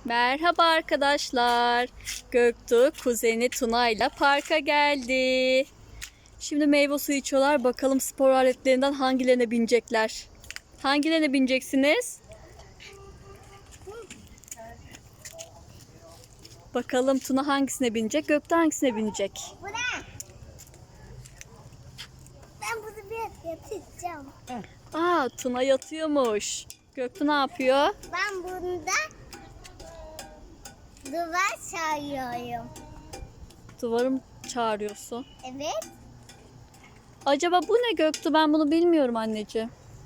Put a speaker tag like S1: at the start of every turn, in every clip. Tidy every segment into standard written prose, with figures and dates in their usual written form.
S1: Merhaba arkadaşlar. Göktuğ kuzeni Tuna ile parka geldi. Şimdi meyve suyu içiyorlar. Bakalım spor aletlerinden hangilerine binecekler? Hangilerine bineceksiniz? Bakalım Tuna hangisine binecek? Göktuğ hangisine binecek?
S2: Bu ne? Ben bunu bir yatacağım.
S1: Aa, Tuna yatıyormuş. Göktuğ ne yapıyor?
S2: Ben bunda duvar çağırıyorum.
S1: Duvarım çağırıyorsun.
S2: Evet.
S1: Acaba bu ne Göktuğ? Ben bunu bilmiyorum anneciğim.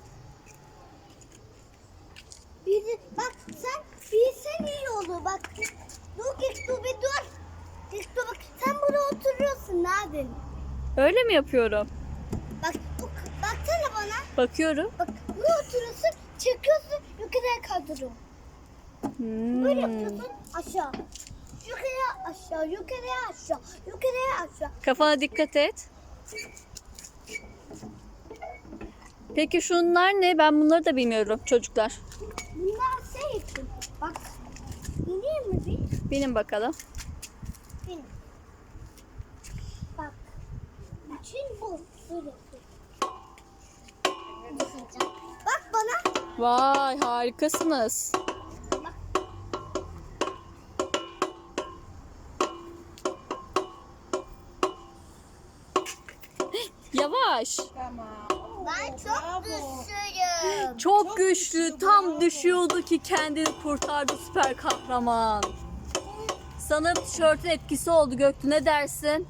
S2: Bak sen bilsen iyi olur bak. Dur git dur bir dur. Git dur bak sen burada oturuyorsun abi.
S1: Öyle mi yapıyorum?
S2: Bak baksana bana.
S1: Bakıyorum.
S2: Bak burada oturuyorsun çekiyorsun yukarıya kaldırıyorsun. Böyle yapıyorsun aşağı. Yukarıya aşağı yukarıya aşağı yukarıya aşağı.
S1: Kafana dikkat et. Peki şunlar ne? Ben bunları da bilmiyorum çocuklar.
S2: Bunlar şey için. Bak ineyim mi bir?
S1: Benim bakalım.
S2: Benim. Bak. İçin bu. Böyle. Bak bana.
S1: Vay, harikasınız.
S2: Bak.
S1: Yavaş.
S2: Ben çok güçlüyüm.
S1: Çok güçlü. Tam düşüyordu ki kendini kurtardı süper kahraman. Sanırım tişörtün etkisi oldu Göktuğ. Ne dersin?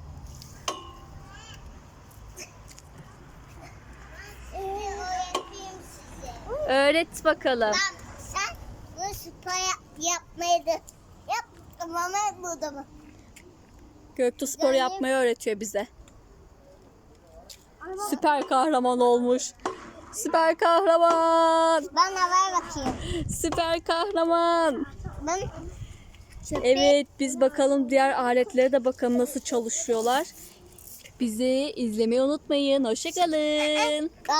S2: Öğreteyim size.
S1: Öğret bakalım.
S2: Bak sen bu spor yapmayı da yap. Ama burada mı?
S1: Göktuğ spor yapmayı öğretiyor bize. Süper kahraman olmuş. Süper kahraman.
S2: Bana ver bakayım.
S1: Süper kahraman.
S2: Ben
S1: Evet, biz bakalım diğer aletlere de bakalım nasıl çalışıyorlar. Bizi izlemeyi unutmayın. Hoşça kalın.